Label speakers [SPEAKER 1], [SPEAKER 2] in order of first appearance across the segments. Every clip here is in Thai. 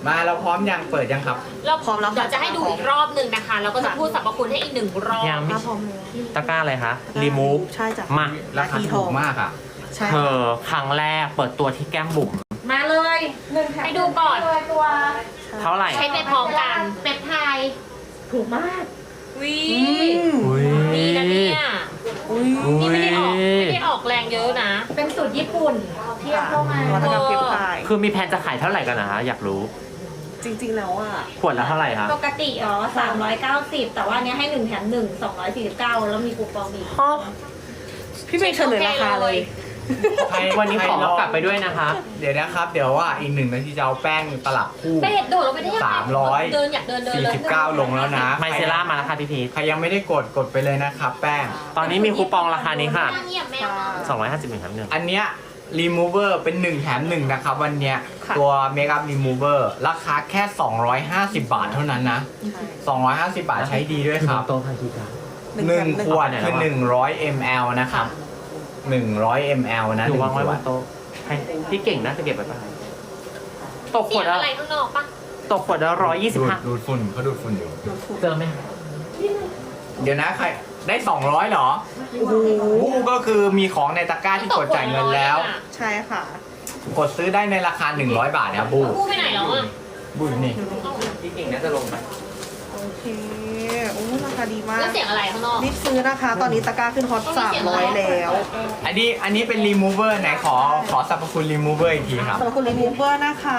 [SPEAKER 1] มาเราพร้อมยังเปิดยังครับ
[SPEAKER 2] เราพร้อมแล้วเดี๋ยวจะให้ดูอีกรอบหนึ่งนะคะแล้วก็จะพูดสรรพคุณให้อีกหนึ่งรอบ
[SPEAKER 3] ยังไม่
[SPEAKER 4] พร้อมเลย
[SPEAKER 3] ตะกร้าอะไรคะรีมูฟ
[SPEAKER 4] ใช่จ้ะ
[SPEAKER 3] มา
[SPEAKER 1] ราคาถูกมากอ่ะ
[SPEAKER 4] ใช่
[SPEAKER 3] เธอครั้งแรกเปิดตัวที่แก้มบุ๋ม
[SPEAKER 2] มาเลยให้ดูก่อน
[SPEAKER 3] เท่าไหร่
[SPEAKER 2] ใช้ไปพร้อมกันเปปไทด์
[SPEAKER 5] ถูกมาก
[SPEAKER 2] วี
[SPEAKER 3] อุ้ย
[SPEAKER 2] นี่นะเนี่ย
[SPEAKER 4] อุ้ย
[SPEAKER 2] นี่ไม่ได้ออกแรงเยอะนะ
[SPEAKER 5] เป็นสูตรญี่ปุ่นที่เข้ามา
[SPEAKER 4] นวัตกรรมเก็บไข่
[SPEAKER 3] คือมีแผนจะขายเท่าไหร่กันนะคะอยากรู้
[SPEAKER 4] จริงๆแล้วอ่ะ
[SPEAKER 3] ขวดละเท่าไหร่คะ
[SPEAKER 5] ปกติ390 แต่ว่าเนี้ยให้1แถม1 249 แล้วมีคูปองอีก
[SPEAKER 4] พี่เป็นเฉลยราคาเลย
[SPEAKER 3] วันนี้ขอกลับไปด้วยนะคะ
[SPEAKER 1] เดี๋ยวนะครับ เดี๋ยวว่าอีก1 นาทีจะเอาแป้งตลับคู่
[SPEAKER 2] เป็ดโดดลงไปได้ยังไง
[SPEAKER 1] 300
[SPEAKER 2] เดินอยากเดินเลย
[SPEAKER 1] 49 ลงแล้วนะ
[SPEAKER 3] ไมเซล่ามาแล้วค่ะพี่พีท
[SPEAKER 1] ใครยังไม่ได้กดไปเลยนะครับ แป้ง
[SPEAKER 3] ตอนนี้มีคูปองราคานี้ค่ะ
[SPEAKER 2] เงียบแมว
[SPEAKER 3] 251ครับหนึ่ง
[SPEAKER 1] อันเนี้ย remover เป็น1 แถม 1 นะครับ วันเนี้ย
[SPEAKER 4] ค่ะ
[SPEAKER 1] ตัว makeup remover ราคาแค่ 250 บาทเท่านั้นนะ 250 บาทใช้ดีด้วยครับ
[SPEAKER 3] โตพันธีการ
[SPEAKER 1] 1 ขวดคือ100 ml นะครับ100 ml นะ
[SPEAKER 3] ดู
[SPEAKER 1] 1
[SPEAKER 3] วาง
[SPEAKER 1] ข
[SPEAKER 3] ไว้บ
[SPEAKER 1] วด
[SPEAKER 3] นโต๊ะให้พี่เก่งนะจะเก็บไว้ปะตกข
[SPEAKER 2] เสี
[SPEAKER 3] วย ด
[SPEAKER 2] ง
[SPEAKER 3] ละ
[SPEAKER 2] อะไรข้างนอกปะ
[SPEAKER 3] ตกขวดละ125
[SPEAKER 1] ดูดฝุ่นเขาดูดฝุ่นอยู่
[SPEAKER 3] เจอไหม
[SPEAKER 1] เดี๋ยวนะใครได้ 200เหรอบูก็คือมีของในตะกร้าที่กดจ่ายเงินแล้ว
[SPEAKER 4] ใช่ค่ะ
[SPEAKER 1] กดซื้อได้ในราคา100 บาทนะครับบู
[SPEAKER 2] พูดไปไหนแล้วอ่ะ
[SPEAKER 1] บูอยู่นี่
[SPEAKER 3] พี่เก่งน่าจะลงไป
[SPEAKER 4] โอเคโอ้ราคาดีมาก
[SPEAKER 2] แล้วเสียงอะไรข้างนอก
[SPEAKER 4] รีบซื้อนะคะ ตอนนี้ตะกร้าขึ้นฮอต300แล้ว
[SPEAKER 1] อันนี้เป็น remover ไหนขอสรรพคุณ remover อีกทีครับ
[SPEAKER 4] สำหรับคุณรีมูเวอร์นะคะ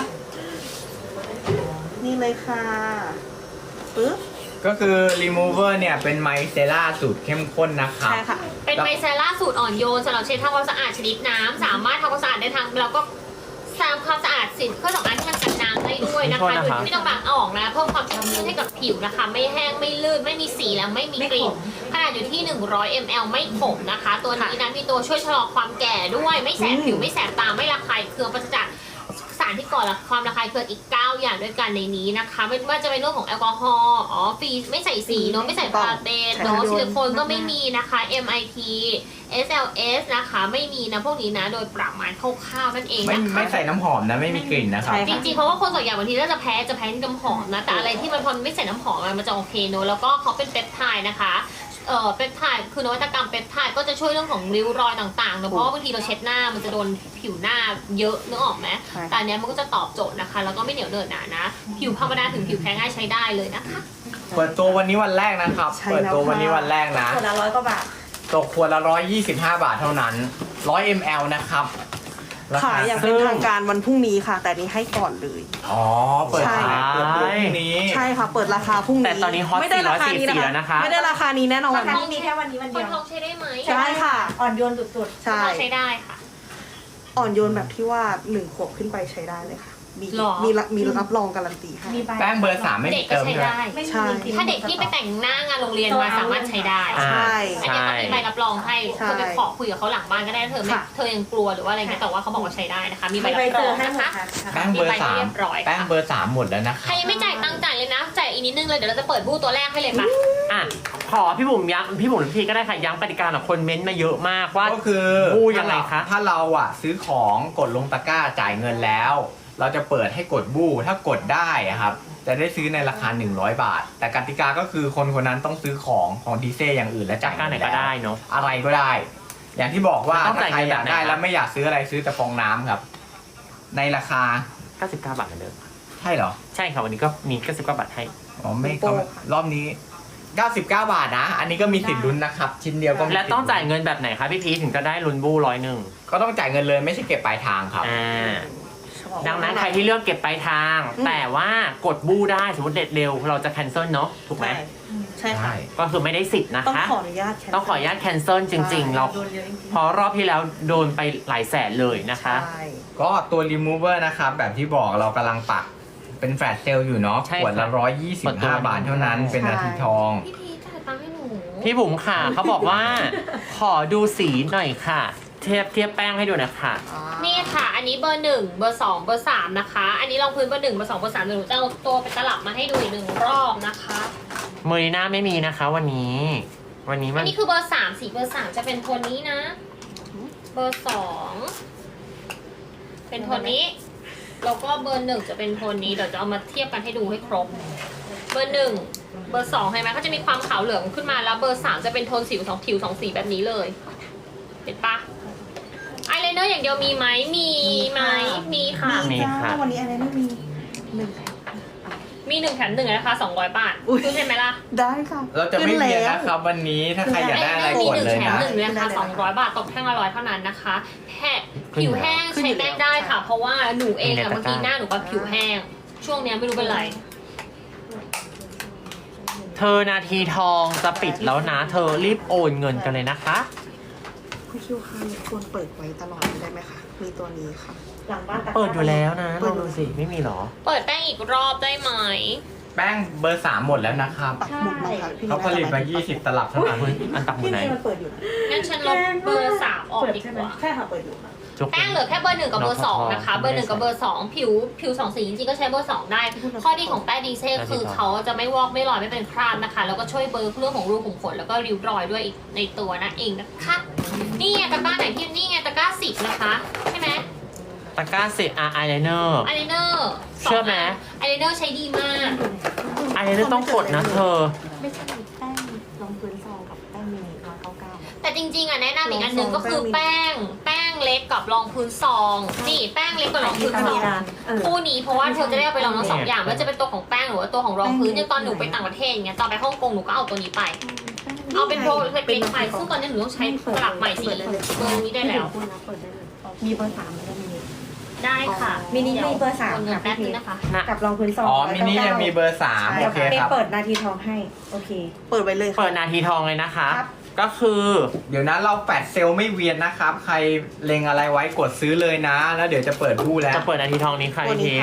[SPEAKER 4] นี่เลยค่ะปึ๊บ
[SPEAKER 1] ก็คือ remover เนี่ยเป็นไมเซล่าสูตรเข้มข้นนะครับ
[SPEAKER 4] ใช่ค่ะ
[SPEAKER 2] เป็นไมเซล่าสูตรอ่อนโยนสำหรับเช็ดทำความสะอาดชนิดน้ำสามารถทำความสะอาดได้ทั้งแล้วก็ทำความสะอาดสินเครื่องสำอางที่มันกันน้ำได้ด้วยนะคะโดยที่ไม่ต้องล้างออกนะเพิ่มความชุ่มชื้นให้กับผิวนะคะ ไม่แห้งไม่ลื่นไม่มีสีและไม่มีกลิ่นขนาดอยู่ที่ 100 ml ไม่ขมนะคะ ตัวนี้นะมีตัวช่วยชะลอความแก่ด้วยไม่แสบผิวไม่แสบตาไม่ระคายเคืองปราศจากสารที่ก่อความระคายเคืองอีก 9 อย่างด้วยกันในนี้นะคะไม่ว่าจะเป็นเรื่องของแอลกอฮอล์ฟรีไม่ใส่สีเนาะไม่ใส่พาราเบนเนาะซิลิโคนก็ไม่มีนะคะ MIT SLS นะคะไม่มีนะพวกนี้นะโดยประมาณคร่าวๆนั่นเอง
[SPEAKER 1] ไม่
[SPEAKER 2] นะคะ
[SPEAKER 1] ไม่ใส่น้ำหอมนะ ไม่มีกลิ่นนะครับ
[SPEAKER 4] ใช่
[SPEAKER 2] จริงๆเพราะว่าคนส่วนใหญ่บางทีถ้าจะแพ้ที่น้ำหอมนะแต่อะไรที่มันพอไม่ใส่น้ำหอมมันจะโอเคเนอะแล้วก็เขาเป็นเปปไทด์นะคะเปปไทด์คือนวัตกรรมเปปไทด์ก็จะช่วยเรื่องของริ้วรอยต่างๆเนอะเพราะว่าบางทีเราเช็ดหน้ามันจะโดนผิวหน้าเยอะนึกออกไหม
[SPEAKER 4] ใช่
[SPEAKER 2] แต่อันเนี้ยมันก็จะตอบโจทย์นะคะแล้วก็ไม่เหนียวเหนอะหนานะผิวธรรมดาถึงผิวแพ้ง่ายใช้ได้เลยนะคะ
[SPEAKER 1] เปิดตัววันนี้วันแรกนะครับ
[SPEAKER 4] ใช่
[SPEAKER 1] เปิดตัว
[SPEAKER 4] แล้วค่ะ
[SPEAKER 1] วันนี้วันแรกนะ
[SPEAKER 5] คนละ100 กว่าบาท
[SPEAKER 1] ตกขวดละ 125 บาทเท่านั้น 100 ml นะครับรค
[SPEAKER 4] ขายอย่างเป็นทางการวันพรุ่งนี้ค่ะ แต่นี้ให้ก่อนเลย
[SPEAKER 1] อ๋อ เปิด
[SPEAKER 4] ใช่
[SPEAKER 1] ขายเปิดตัวพรุ่งนี้
[SPEAKER 4] ใช่ค่ะ เปิดราคาพรุ่งนี้
[SPEAKER 3] แต่ตอนนี้ฮอต
[SPEAKER 4] ไม่ได้ราคานี้
[SPEAKER 3] 444แล้วนะคะ
[SPEAKER 4] ไม่ได้ราคานี้แน่นอน
[SPEAKER 5] ราคานี้มีแค่วันนี้วัน
[SPEAKER 2] ค
[SPEAKER 5] เดี
[SPEAKER 2] น
[SPEAKER 5] ยว
[SPEAKER 2] ท้องใช้ได้ไหม
[SPEAKER 4] ใช่ค่ะ
[SPEAKER 5] อ่อนโยนสุด
[SPEAKER 4] ใช่
[SPEAKER 2] คนท้องใช้ได้ค่ะ
[SPEAKER 4] อ่อนโยนแบบที่ว่า1 ขวบขึ้นไปใช้ได้เลยค่ะ มี
[SPEAKER 2] หรอ
[SPEAKER 4] มีรับรองการันตีให้
[SPEAKER 5] ๆ มีใบ
[SPEAKER 1] แป้งเบอร์ 3 ไม่
[SPEAKER 2] เด็
[SPEAKER 1] มี
[SPEAKER 2] กก็
[SPEAKER 1] เติม
[SPEAKER 2] ใช้
[SPEAKER 1] ใช่ไหม
[SPEAKER 2] ได้
[SPEAKER 5] ไม่
[SPEAKER 4] ใช่
[SPEAKER 5] มี
[SPEAKER 2] ถ้าเด็กที่ไปแต่งหน้างานโรงเรียนมาสามารถใช้ได้
[SPEAKER 3] อ่า
[SPEAKER 4] ใช่
[SPEAKER 2] อันนี้เขามีใบรับรองให้
[SPEAKER 4] ใช่
[SPEAKER 2] เธอไปขอคุยกับเขาหลังบ้านก็ได้เธอไม่
[SPEAKER 4] ค่ะ
[SPEAKER 2] เธอยังกลัวหรือว่าอะไรเงี้ยแต่ว่าเขาบอกว่าใช้ได้นะคะ มีใบ
[SPEAKER 5] มีใบ
[SPEAKER 2] รับ
[SPEAKER 5] เซ
[SPEAKER 2] ร
[SPEAKER 5] อ
[SPEAKER 2] อง
[SPEAKER 5] ร์ให้หม
[SPEAKER 2] นะ
[SPEAKER 5] ด
[SPEAKER 2] คะ
[SPEAKER 5] ค่ะ
[SPEAKER 1] แป้งเบอร์
[SPEAKER 2] มีใบเรียบร้อย
[SPEAKER 1] 3 แป้งเบอร์ 3 หมดแล้วนะค
[SPEAKER 2] ใคร
[SPEAKER 1] รับ
[SPEAKER 2] ยังไม่จ่ายตังค์จ่ายเลยนะจ่ายอีกนิดนึงเลยเดี๋ยวเราจะเปิดบูธตัวแรกให้เลยค่ะ
[SPEAKER 3] อ่ะขอพี่บุ๋มย้ำพี่บุ๋มพี่ก็ได้ค่ะย้ำกติกาหน่อยคนเม้นต์มาเยอะมากว่า
[SPEAKER 1] ก็คือ
[SPEAKER 3] บูยังไงคะ
[SPEAKER 1] ถ้าเราอ่ะซื้อของกดลงตะกร้าจ่ายเงินแล้ว เราจะเปิดให้กดบูถ้ากดได้อะครับจะได้ซื้อในราคา100 บาท แต่กติกาก็คือคนคนนั้นต้องซื้อของดีเซอย่างอื่นและ
[SPEAKER 3] จา
[SPEAKER 1] จ่าก ย
[SPEAKER 3] การไหนก็ได้เนาะ
[SPEAKER 1] อะไรก็ได้ อย่างที่บอกว่า
[SPEAKER 3] ต้อง
[SPEAKER 1] ถ้า
[SPEAKER 3] จ่าย
[SPEAKER 1] ใคร
[SPEAKER 3] เงิน
[SPEAKER 1] อยากได้
[SPEAKER 3] แบบไหน
[SPEAKER 1] แล้วไม่อยากซื้ออะไรซื้อแต่ฟองน้ำครับ ในราคา
[SPEAKER 3] 99 บาทเหมือนเดิม
[SPEAKER 1] ใช่เหรอ
[SPEAKER 3] ใช่ค่ะวันนี้ก็มี99 บาทให้
[SPEAKER 1] อ๋อไม่
[SPEAKER 4] โปร
[SPEAKER 1] เขา
[SPEAKER 4] ค่ะ
[SPEAKER 1] รอบนี้ 99 บาทนะ อันนี้ก็มีสิทธิ์ลุ้นนะครับ ชิ้นเดียวก็มี
[SPEAKER 3] และต้อง
[SPEAKER 1] สิทธิ์
[SPEAKER 3] จ่ายเงินแบบไหนคะพี่พีชถึงจะได้ลุ้นบู101
[SPEAKER 1] ก็ต้องจ่ายเงินเลยไม่ใช่เก็บปลายทางครับ
[SPEAKER 3] ดังนั้นใครที่เลือกเก็บปลายทาง แต่ว่ากดบูได้สมมติเด็ดเร็วเราจะแคนเซิลเนาะถูกไหม
[SPEAKER 4] ใช่ค่ะ
[SPEAKER 3] ก็คือไม่ได้สิทธิ์นะ
[SPEAKER 4] ต้อง
[SPEAKER 3] คะ
[SPEAKER 4] ขออนุญาตแคน
[SPEAKER 3] ต้องขออนุญาตแคนเซิลจริง ๆ เรา
[SPEAKER 5] โดนเยอะจริง
[SPEAKER 3] เพราะรอบที่แล้วโดนไปหลายแสนเลยนะคะ
[SPEAKER 4] ใช่
[SPEAKER 1] ก็ตัว remover นะครับ แบบที่บอกเรากำลังปักเป็นแฟลชเซลล์อยู่เนาะ
[SPEAKER 3] ใช่
[SPEAKER 1] ขวดละ
[SPEAKER 3] เปิดตัว
[SPEAKER 1] 125 บาทเท่านั้นเป็นนาทีทอง
[SPEAKER 2] พี่พีชจ่ายตังค์ให้หนู
[SPEAKER 3] พี่บุ๋มค่ะเขาบอกว่า ขอดูสีหน่อยค่ะ เทียบแป้งให้ดูนะคะ
[SPEAKER 2] นี่ค่ะ อันนี้เบอร์1เบอร์2เบอร์3นะคะ อันนี้รองพื้นเบอร์1เบอร์2เบอร์3เดี๋ยวหนูจะเอาตัวไปตลับมาให้ดูอีก1 รอบนะคะ
[SPEAKER 3] เมอริน่าไม่มีนะคะวันนี้ วันนี้มั
[SPEAKER 2] อั
[SPEAKER 3] น
[SPEAKER 2] นนี้คือเบอร์3สีเบอร์3จะเป็นโทนนี้นะ เบอร์2เป็นโทนนี้แล้วก็เบอร์ 1จะเป็นโทนนี้เดี๋ยวจะเอามาเทียบกันให้ดูให้ครบ เบอร์ 1 เบอร์ 2เห็นไหมเขาจะมีความขาวเหลืองขึ้นมาแล้วเบอร์ 3จะเป็นโทนผิวสองสีแบบนี้เลยเห็นปะอายไลเนอร์อย่างเดียวมีไหมมีไหมมีค่ะ
[SPEAKER 3] มีค่ะ
[SPEAKER 4] วันนี้อะไรไม่มีหนึ่ง
[SPEAKER 2] มี1แถม1นะคะ200 บาท
[SPEAKER 4] อุ๊ย
[SPEAKER 2] คุณเห็นไหมล่ะ
[SPEAKER 4] ได้ค่ะ
[SPEAKER 1] เราจะไม่เวียน
[SPEAKER 4] ขึ้
[SPEAKER 1] นะครับวันนี้ถ้าใครอยากได้อะไร
[SPEAKER 2] มี
[SPEAKER 1] กด
[SPEAKER 2] 1
[SPEAKER 1] เลย
[SPEAKER 2] แถม
[SPEAKER 1] นะ
[SPEAKER 2] 1เลยนะคะ200 บาทตกแท่งละ100เท่านั้นนะคะผิวแห้งใช้แป้งได้ค่ะ เพราะว่าหนูเองอะบางทีหน้าหนูก็ผิวแห้ง ช่วงเนี้ยไม่รู้เป็นไร
[SPEAKER 3] เธอนาทีทองจะปิดแล้วนะ เธอรีบโอนเงินกันเลยนะคะ
[SPEAKER 4] คุณคิวค่ะควรเปิดไว้ตลอดได้ไหมคะ มีตัวนี้ค่ะ
[SPEAKER 5] หลังบ้านตะกร้า
[SPEAKER 3] เปิดอยู่แล้วนะลองดูสิไม่มีหรอ
[SPEAKER 2] เปิดแป้งอีกรอบได้ไหม
[SPEAKER 1] แป้งเบอร์ 3 หมดแล้วนะครับ
[SPEAKER 4] ปักหมุดนะคะพี่
[SPEAKER 1] เขาผลิตมา 20 ตลับเท่านั้น
[SPEAKER 3] อันตักหมื
[SPEAKER 5] พี่
[SPEAKER 3] อไหน
[SPEAKER 5] เมย์มันเปิดอยู่นะ
[SPEAKER 2] งั้นฉันลบเบอร์ 3 ออก
[SPEAKER 5] เปิด
[SPEAKER 2] ดี
[SPEAKER 5] ใช่
[SPEAKER 2] ก
[SPEAKER 5] ไหม
[SPEAKER 2] ว่า
[SPEAKER 5] ใช่ค่ะเปิดอยู่ค่ะ
[SPEAKER 3] จุก
[SPEAKER 2] แป้งเหลือแค่เบอร์ 1 กับเบอร์ 2 นะคะ เบอร์ 1 กับเบอร์ 2 ผิว2 สีจริงๆก็ใช้เบอร์ 2 ได้ ข้อดีของแป้งดีเซ่คือเขาจะไม่วอกไม่ลอยไม่เป็นคราบนะคะ แล้วก็ช่วยเบลอเรื่องของรูขุมขนแล้วก็ริ้วรอยด้วยอีกในตัวนั่นเองนะคะ นี่ไงตะกร้าไหนที่นี่ไงตะกร้า10นะคะใช่ไหม
[SPEAKER 3] ตะกร้าสิอายไลเนอร์
[SPEAKER 2] อายไลเนอร์
[SPEAKER 3] เชื่อไหม
[SPEAKER 2] อายไลเนอร์ใช้ดีมาก
[SPEAKER 3] อายไลเนอร์ต้องกดนะเธอ
[SPEAKER 5] ไม่ใช่แป้งรองพื้นซองกับแป้งมินิ199
[SPEAKER 2] แต่จริงๆอ่ะแนะนำอีกอันหนึ่งก็คือแป้งเล็กกับรองพื้นซองนี่แป้งเล็กกับรองพื้นซองคู่นี้เพราะว่าเธอจะได้เอาไปลองทั้งสองอย่างไม่ว่าจะเป็นตัวของแป้งหรือว่าตัวของรองพื้นอย่างตอนหนูไปต่างประเทศอย่างเงี้ยตอนไปฮ่องกงหนูก็เอาตัวนี้ไป เอาเป็นโปรเล็กๆไปซึ่งตอนนี้หนูต้องใช้สลับใหม่สีเบอร์นี้ได้แล้ว
[SPEAKER 5] เปิดได้เลยมีเบอร์3แล้วก็มินิ
[SPEAKER 2] ได้ค่ะ
[SPEAKER 5] มินิมีเบอร์3
[SPEAKER 2] เงิน
[SPEAKER 5] ค่ะ
[SPEAKER 2] แป๊บ
[SPEAKER 5] พี่
[SPEAKER 2] นึ
[SPEAKER 5] พี
[SPEAKER 2] งนะคะ
[SPEAKER 5] กับรองพื้นซอง
[SPEAKER 1] อ๋อ มินิยังมีเบอร์ 3 โอเค
[SPEAKER 5] เม
[SPEAKER 1] ครับ
[SPEAKER 5] ย์เปิดนาทีทองให้โอเค
[SPEAKER 4] เปิดไว้เลยค่ะ
[SPEAKER 3] เปิดนาทีทองเลยนะคะ
[SPEAKER 5] ครับ
[SPEAKER 3] ก็คือ
[SPEAKER 1] เดี๋ยวนะเราแฟดเซลล์ไม่เวียนนะครับ ใครเล็งอะไรไว้กดซื้อเลยนะ แล้วเดี๋ยวจะเปิดบู้แล้ว
[SPEAKER 3] จะเปิดนาทีทองนี้ใคร
[SPEAKER 4] ตัวนี้
[SPEAKER 3] เทส
[SPEAKER 4] ค่ะ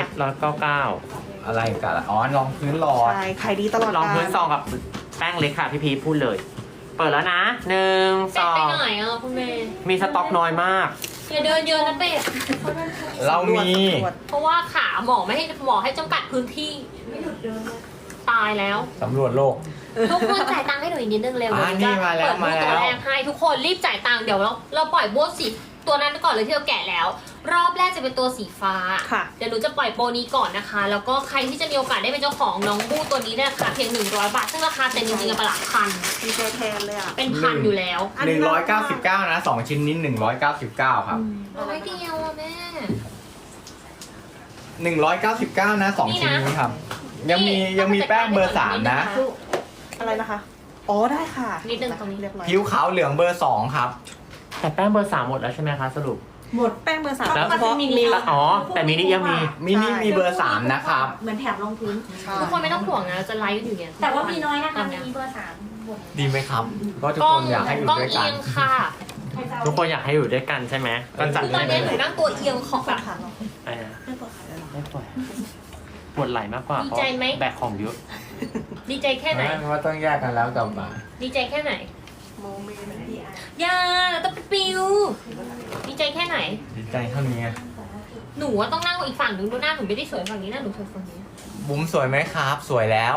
[SPEAKER 3] 199
[SPEAKER 1] อะไรกันล่ะอ๋อรองพื้นหลอด
[SPEAKER 4] ใช่ขายดีตลอด
[SPEAKER 3] ลอง
[SPEAKER 4] กา
[SPEAKER 3] พื้น
[SPEAKER 4] ล
[SPEAKER 3] ซองกับแป้งเล็กค่ะพี่พีชพูดเลย เปิดแล้วนะ1
[SPEAKER 2] เป็ดไปไหนอ่ะคุณเมย์
[SPEAKER 3] 2มีสต็อกน้อยมาก
[SPEAKER 2] อย่าเดินเยอะนะเป็ด
[SPEAKER 1] เรามี
[SPEAKER 4] ตรวจ
[SPEAKER 2] เพราะว่าขาหมอไม่ให้หมอให้จำกัดพื้นที่ตายแล้ว
[SPEAKER 1] สำรวจโลก
[SPEAKER 2] ทุกคนจ่ายตังค์ให้หนูอีกนิดนึงเร็ว
[SPEAKER 1] อ่า
[SPEAKER 2] เดี๋ยว
[SPEAKER 1] นี่มาแล้ว
[SPEAKER 2] เปิด
[SPEAKER 1] มาแล้ว
[SPEAKER 2] ตัวแรกให้ทุกคนรีบจ่ายตังค์เดี๋ยวเราปล่อยโบสสีตัวนั้นก่อนเลยที่เราแกะแล้ว รอบแรกจะเป็นตัวสีฟ้า
[SPEAKER 4] ค่ะ
[SPEAKER 2] เดี๋ยวหนูจะปล่อยโปรนี้ก่อนนะคะ แล้วก็ใครที่จะมีโอกาสได้เป็นเจ้าของน้องบู้ตัวนี้เนี่ยค่ะเพียง100 บาทซึ่งราคาเต็มจริงๆอะประหลาดพัน
[SPEAKER 4] ดีใจแทนเลยอ่ะ
[SPEAKER 2] เป็นพันอยู่แล้ว
[SPEAKER 4] อันนี้น่ารัก
[SPEAKER 1] 199 นะ 2 ชิ้นนี้ 199 ครับ
[SPEAKER 2] ร้อยเดียวอะแม่
[SPEAKER 1] 199 นะ 2 ชิ้นนี้ครับ ยังมีแป้งเบอร์ 3 นะ
[SPEAKER 4] อะไรนะคะ อ๋อได้ค่ะ
[SPEAKER 2] นิดนึงตรงนี้
[SPEAKER 4] เรียบร้อย
[SPEAKER 1] ผิวขาวเหลืองเบอร์ 2 ครับ
[SPEAKER 3] แต่แป้งเบอร์ 3 หมดแล้วใช่ไหมคะสรุป
[SPEAKER 5] หมด
[SPEAKER 4] แป้งเบอร์ 3
[SPEAKER 3] แล้ว
[SPEAKER 4] เฉพาะมินิ
[SPEAKER 3] อ๋อ แต่มินิยังมี
[SPEAKER 1] มินิมีเบอร์ 3 นะครับ
[SPEAKER 5] เหมือนแถบรองพื้น
[SPEAKER 2] ทุกคนไม่ต้องห่วงนะจะไลฟ์อยู่เนี่ย
[SPEAKER 5] แต่ว่ามีน้อยนะคะ
[SPEAKER 2] ตอ
[SPEAKER 5] มีเบอร์3หมด
[SPEAKER 1] ดีไหมครับ ก็ทุก
[SPEAKER 2] กล้อ
[SPEAKER 1] ค
[SPEAKER 2] ง
[SPEAKER 1] นอยากให้อยู่
[SPEAKER 2] กล้อง
[SPEAKER 1] ด้วยกั
[SPEAKER 2] เอี
[SPEAKER 1] น
[SPEAKER 2] ยงค่ะ
[SPEAKER 3] ทุกคนอยากให้อยู่ด้วยกันใช่ไหมก็จัด
[SPEAKER 2] คือต
[SPEAKER 3] เล
[SPEAKER 2] อน
[SPEAKER 3] ย
[SPEAKER 2] นี้หนูนั่งตัวเอียงของแบบ
[SPEAKER 4] ขาเนาะ
[SPEAKER 3] อะไรนะ
[SPEAKER 4] ไม่เปิดขายเลยเหรอ
[SPEAKER 3] ไม่ปล่อยปวดไหล่มากกว่า
[SPEAKER 2] ดี
[SPEAKER 3] เพราะ
[SPEAKER 2] ใจไหม
[SPEAKER 3] แบกของเยอะ
[SPEAKER 2] ดีใจแค่ไหน
[SPEAKER 1] ไม่ว่าต้องแยกกันแล้วกลับมา
[SPEAKER 2] ดีใจแค่ไหน
[SPEAKER 4] โมเมนต์
[SPEAKER 2] อย่าเราต้องไปปิวดีใจแค่ไหน
[SPEAKER 1] ดีใจเท่านี้
[SPEAKER 2] หนูว่าต้องนั่งอีกฝั่งหนึ่งดูหน้าหนูไม่ได้สวยฝั่งนี้หน้าหนูสวยฝั่งนี้
[SPEAKER 1] บุ๋มสวยไหมครับ สวยแล้ว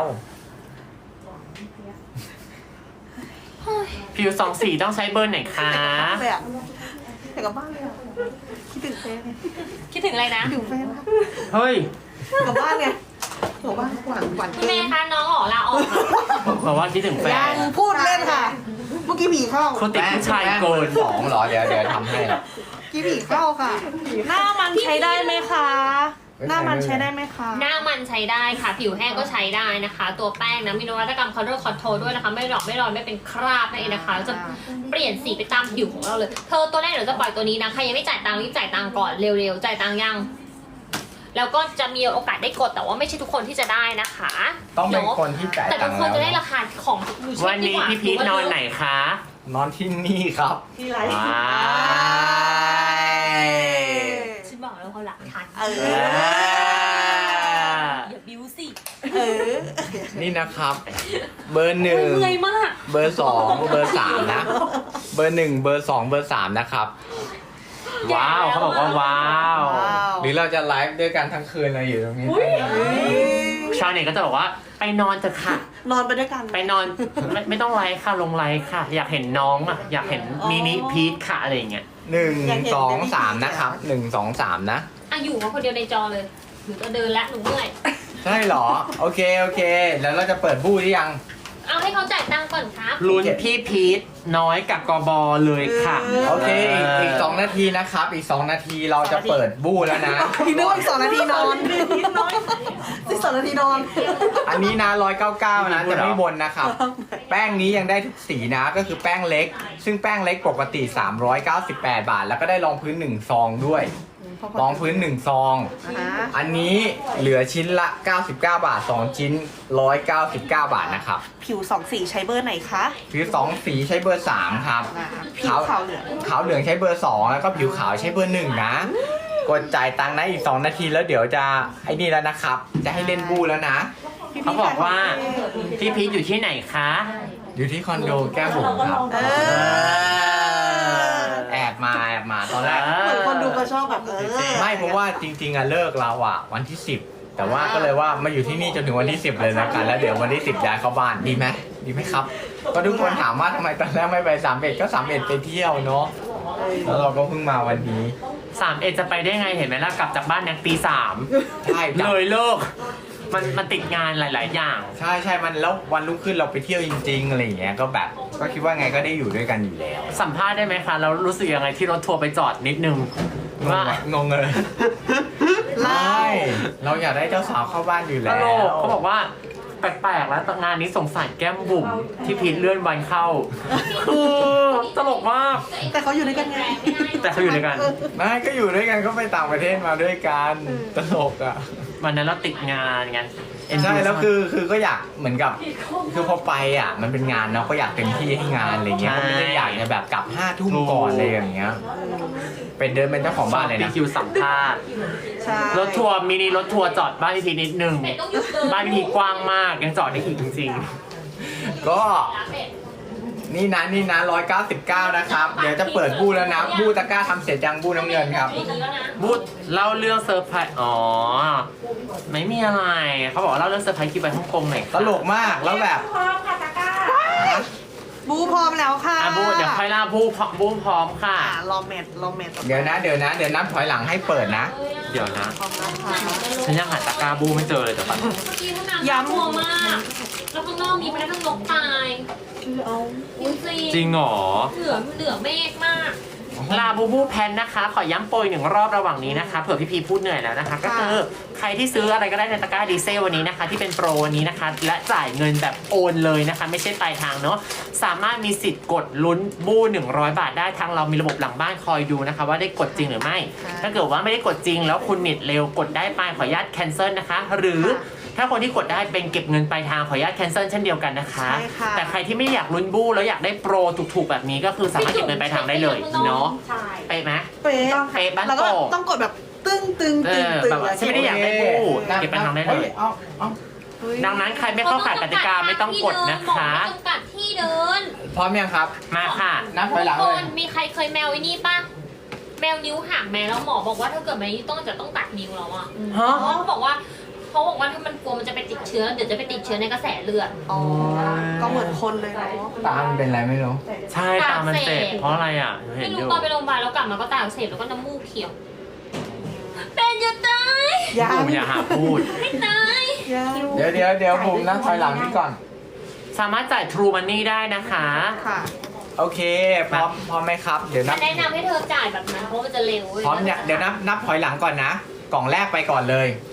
[SPEAKER 3] ผิวสองสีต้องใช้เบอร์ไหนคะ
[SPEAKER 4] เลยอ่ะอยากกลับบ้านเลยอ่ะคิดถึงแฟนไง
[SPEAKER 2] คิดถึงอะไรนะ
[SPEAKER 4] คิดถึงแฟนครับ
[SPEAKER 3] เฮ้ย
[SPEAKER 4] กลับบ้านไงกลับบ้านหวานหวาน
[SPEAKER 2] คุณ
[SPEAKER 4] เกิ
[SPEAKER 2] แม่
[SPEAKER 4] น
[SPEAKER 2] คะน้องออกลาออกค่ะ
[SPEAKER 3] บอกว่าคิดถึงแฟ
[SPEAKER 4] ยั
[SPEAKER 3] น
[SPEAKER 4] งพูดเล่นค่ะ เมื่อกี้ผีเข้า
[SPEAKER 3] คนติดผู้ชายโกน
[SPEAKER 1] สองเหรอ เดี๋ยวทำให้
[SPEAKER 4] เมื่อกี้ผีเข้าค่ะ หน้ามันใช้ได้ไหมคะ หน้ามันใช้ได้ไหมคะ
[SPEAKER 2] หน้ามันใช้ได้ค่ะ ผิวแห้งก็ใช้ได้นะคะ ตัวแป้งนะมีนวัตกรรม color control ด้วยนะคะ ไม่หลอกไม่ลอยไม่เป็นคราบนั่นเองนะคะจะเปลี่ยนสีไปตามผิวของเราเลย เธอตัวแรกเดี๋ยวจะปล่อยตัวนี้นะใครยังไม่จ่ายตังค์รีบจ่ายตังค์ก่อนเร็วๆจ่ายตังค์ยังแล้วก็จะมีโอกาสได้กดแต่ว่าไม่ใช่ทุกคนที่จะได้นะคะ
[SPEAKER 1] ต้องเป็นคนที่จ่าย
[SPEAKER 2] แต่
[SPEAKER 1] ตั
[SPEAKER 2] ทุ
[SPEAKER 1] ง
[SPEAKER 2] ก
[SPEAKER 1] ค์
[SPEAKER 2] คนจะได้
[SPEAKER 1] แล้ว
[SPEAKER 2] ราคาของดูเช็
[SPEAKER 3] วั
[SPEAKER 2] คน ดี
[SPEAKER 3] นี้
[SPEAKER 2] กว่า
[SPEAKER 3] พี่พีทนอนไหนคะ
[SPEAKER 1] นอนที่นี่ครับ
[SPEAKER 5] ที่ไลฟ์
[SPEAKER 3] ว้า
[SPEAKER 2] ฉันบอกแล้วเขาหลักฐาน
[SPEAKER 4] เออ
[SPEAKER 2] อย่าบิ้วสิ
[SPEAKER 4] เออ
[SPEAKER 1] นี่นะครับ เบอร์
[SPEAKER 2] เมื่อยมาก
[SPEAKER 1] 1 เบอร์ 2 เบอร์ 3 นะ เบอร์ 1 เบอร์ 2 เบอร์ 3 นะครับ
[SPEAKER 3] ว้าวเขาบอกว่าว้าว
[SPEAKER 4] ว้าว
[SPEAKER 1] หรือเราจะไลฟ์ด้วยกันทั้งคืนเลยอยู่ตรงนี้
[SPEAKER 3] ชาวเน็ตก็จะบอกว่าไปนอนเถอะค่ะ
[SPEAKER 4] นอนไปด้วยกัน
[SPEAKER 3] ไปนอนไม่ต้องไลฟ์ค่ะลงไลฟ์ค่ะ อยากเห็นน้องอ่ะอยากเห็นมินิพีทค่ะอะไรอย่างเงี้ย
[SPEAKER 1] 1 2 3 นะครับ 1 2 3 นะ
[SPEAKER 2] อ่ะอยู่มาคนเดียวในจอเลยหนูจะเดินละหนูเมื่อย
[SPEAKER 1] ใช่เหรอ โอเคโอเค แล้วเราจะเปิดบู้หรือยัง
[SPEAKER 2] เอาให้เขาจ่ายตังค์ก่อนครับ
[SPEAKER 3] ลุ้นพี่พีทน้อยกับกบเลยค่ะ
[SPEAKER 1] โอเคอีก2นาทีนะครับ อีก2นาทีเราจะเปิดบู้แล้วนะ
[SPEAKER 4] พี่นึกว่าอีก2 นาทีนอนอีก2 นาทีนอน
[SPEAKER 1] อันนี้นะ199นะจะไม่บนนะครับ แป้งนี้ยังได้ทุกสีนะ ก็คือแป้งเล็ก ซึ่งแป้งเล็กปกติ398 บาท แล้วก็ได้รองพื้น1ซองด้วยรองพื้น1ซอง อันนี้เหลือชิ้นละ99 บาท2ชิ้น199 บาทนะครับ
[SPEAKER 4] ผิว2 สีใช้เบอร์ไหนคะ
[SPEAKER 1] ผิว2สีใช้เบอร์3ครับ
[SPEAKER 4] ผิวขาวเหลือง
[SPEAKER 1] ขาวเหลืองใช้เบอร์2แล้วก็ผิวขาวใช้เบอร์1นะกดจ่ายตังค์นะอีก2นาทีแล้วเดี๋ยวจะไอ้นี่แล้วนะครับ จะให้เล่นบูแล้วนะ
[SPEAKER 3] เขาบอกว่าพี่พีทอยู่ที่ไหนคะ
[SPEAKER 1] อยู่ที่คอนโดแก้มบุ๋มครับ แอบมาตอนแรก
[SPEAKER 4] เหมือนคนดูก็ชอบแบบ
[SPEAKER 1] ไม่เพราะว่าจริงๆอะเลิกเราอะวันที่ 10 แต่ว่าก็เลยว่ามาอยู่ที่นี่จนถึงวันที่ 10 เลยนะกันแล้วเดี๋ยววันที่ 10ย้ายเข้าบ้านดีไหมดีไหมครับ ก็ทุกคนถามว่าทำไมตอนแรกไม่ไป31ก็31ไปเที่ยวเนาะแล้วเราก็เพิ่งมาวันนี้
[SPEAKER 3] 3 จะไปได้ไงเห็นไหมล่ะกลับจากบ้านยังตี 3
[SPEAKER 1] ใช่จ้ะ
[SPEAKER 3] เลยเลิกมันติดงานหลาย ๆ อย่าง
[SPEAKER 1] ใช่มันแล้ววันรุ่งขึ้นเราไปเที่ยวจริงๆอะไรอย่างเงี้ยก็แบบก็คิดว่าไงก็ได้อยู่ด้วยกันอยู่แล้ว
[SPEAKER 3] สัมภาษณ์ได้ไหมคะแล้วรู้สึกยังไงที่รถทัวร์ไปจอดนิดนึงว่า
[SPEAKER 1] งงเลยไม่เราอยากได้เจ้าสาวเข้าบ้านอยู่
[SPEAKER 3] ต
[SPEAKER 1] แล้
[SPEAKER 3] ล
[SPEAKER 1] ว
[SPEAKER 3] กเขาบอกว่าแปลกๆแล้วงานนี้สงสารแก้มบุ๋มที่พีทเลื่อนวันเข้าคือตลกมาก
[SPEAKER 4] แต่เขาอยู่ด้วยกันไง
[SPEAKER 3] แต่เขาอยู่ด้วยกัน
[SPEAKER 1] ไม่ก็อยู่ด้วยกันก็ไปต่างประเทศมาด้วยกันตลกอ่ะ
[SPEAKER 3] วันนั้นเราติดงานไง
[SPEAKER 1] ใช่แล้วคือก็อยากเหมือนกับคือพอไปอ่ะมันเป็นงานเนาะก็อยากเต็มที่ให้งานอะไรเงี้ยก็ไม่ได้อยากจะแบบกลับ5 ทุ่มก่อนอะไรอย่างเงี้ยเป็นเดินเป็นเจ้าของบ้านเลย
[SPEAKER 3] ปี
[SPEAKER 1] นะ
[SPEAKER 3] คิวสัมภาษณ์
[SPEAKER 4] ใช่
[SPEAKER 3] รถทัวร์มินิรถทัวร์จอดบ้านพี่พีทนิดนึง
[SPEAKER 2] เป็ดต้องหยุดเดิน
[SPEAKER 3] บ้านพี่พีทกว้างมากยังจอดได้อีกจริง
[SPEAKER 1] ก็นี่นะ199นะครับเดี๋ยวจะเปิดบู้แล้วนะบู้ตะกร้าทำเสร็จยังบู้น้ำเงินครับ
[SPEAKER 3] ๆบูธเล่าเรื่องเซอร์ไพรส์อ๋อไม่มีอะไรเขาบอกว่าเล่าเรื่องเซอร์ไพรส์คิวไปฮ่องกงหน่อย
[SPEAKER 1] ตลกมากแล้วแบบ
[SPEAKER 5] พร้อมค่ะตะกร้า
[SPEAKER 4] บูพร้อมแล้วค่ะ
[SPEAKER 3] อ่ะบูธเดี๋ยวค่อยเล่าบูธพร้อมค่ะ
[SPEAKER 4] ลองเมท
[SPEAKER 1] เดี๋ยวนับถอยหลังให้เปิดนะ
[SPEAKER 3] เดี๋ยวนะ
[SPEAKER 4] พร้อมแล้วค่ะ
[SPEAKER 3] ฉันยังหาตะกร้าบูไม่เจอเลยแต่ปัน
[SPEAKER 2] เมื่อกี้ห้องน้ำย้ำมัวมาก แล้วข้างนอกมีแม้กระทั่งนกตายจริง
[SPEAKER 3] จริงเหรอ
[SPEAKER 2] เหลือเมฆมาก
[SPEAKER 3] ลาบูบูแพนนะคะ ขอย้ำโปรย1 รอบระหว่างนี้นะคะเผื่อพี่พีพูดเหนื่อยแล้วนะคะ ก็คือใครที่ซื้ออะไรก็ได้ในตะกร้าดีเซลวันนี้นะคะ ที่เป็นโปรวันนี้นะคะ และจ่ายเงินแบบโอนเลยนะคะ ไม่ใช่ปลายทางเนาะสามารถมีสิทธิ์กดลุ้นบู100 บาทได้ทางเรามีระบบหลังบ้านคอยดูนะคะ ว่าได้กดจริงหรือไม่ ถ้าเกิดว่าไม่ได้กดจริง แล้วคุณเน็ตเร็วกดได้ไปขออนุญาตแคนเซิลนะคะ หรือถ้าคนที่กดได้เป็นเก็บเงินปลายทางขออนุญาตแคนเซิลเช่นเดียวกันนะคะ
[SPEAKER 4] ใช่ค่ะ
[SPEAKER 3] แต่ใครที่ไม่อยากลุ้นบูแล้วอยากได้โปรถูกๆแบบนี้ก็คือสามารถเก็บเงินปลายทางได้เลยเนาะ
[SPEAKER 5] ใช่
[SPEAKER 3] เป๊ะไหม
[SPEAKER 4] เป๊ะ
[SPEAKER 3] เป๊ะบ้าน
[SPEAKER 4] แล้วก็
[SPEAKER 3] โป่ง
[SPEAKER 4] ต้องกดแบบตึ้งตึง
[SPEAKER 3] เอ
[SPEAKER 4] ตึง
[SPEAKER 3] อ
[SPEAKER 4] ตึง
[SPEAKER 3] แบบว่าฉันไม่ได้อยากได้บูเก็บไปทางได้เลย
[SPEAKER 1] เอา
[SPEAKER 3] ดังนั้นใครไม่เข้าข่ายกติกาไม่ต้องกดนะคะ
[SPEAKER 2] ไม่จำกัดที่เดิน
[SPEAKER 1] พร้อมยังครับ
[SPEAKER 3] มาค่ะ
[SPEAKER 1] นับถอยหลัง
[SPEAKER 2] ทุก
[SPEAKER 1] เล
[SPEAKER 2] ค
[SPEAKER 1] ย
[SPEAKER 2] นมีใครเคยแมวไอ้นี่ป่ะ แมวนิ้วหักแมวแล้วหมอบอกว่าถ้าเกิดแมวนี้ต้องตัดนิ้วแล้วอ่ะ
[SPEAKER 3] ฮะ
[SPEAKER 2] เพราะเขาบอกว่าถ้ามันกลัวมันจะไปติดเชื้อ เดี๋ยวจะไปติดเชื้อในกระแสเลือด
[SPEAKER 4] อ๋อ ก็เหมือนคนเลยเนาะ
[SPEAKER 1] ตามันเป็นอะไรไม่รู้
[SPEAKER 3] ใช่ตามันเจ็บเพราะอะไรอ่ะหนูเห็
[SPEAKER 2] ไม่
[SPEAKER 3] นอ
[SPEAKER 2] รู้
[SPEAKER 3] ยู่
[SPEAKER 2] ตอนไปโรงพยาบาลแล้วกลับมาก็ตาอักเสบแล้วก็น้ำมูกเขียว เป็นจะตาย
[SPEAKER 4] ยัง
[SPEAKER 3] บูอย่าหาพูด
[SPEAKER 2] ไม่ตาย
[SPEAKER 4] ยัง
[SPEAKER 1] เดี๋ยวผมนับถอยหลังนี่ก่อน
[SPEAKER 3] สามารถจ่าย True Money ได้นะคะ
[SPEAKER 4] ค่ะ
[SPEAKER 1] โอเคพร้อมไหมครับเดี๋ยวนั
[SPEAKER 2] ฉั
[SPEAKER 1] บ
[SPEAKER 2] นแนะนำให้เธอจ่ายแบบนั้นเพราะมันจะเร็ว
[SPEAKER 1] พร้อมเนี่ยเดี๋ยวนับถอยหลังก่อนนะ กล่องแรกไปก่อนเลย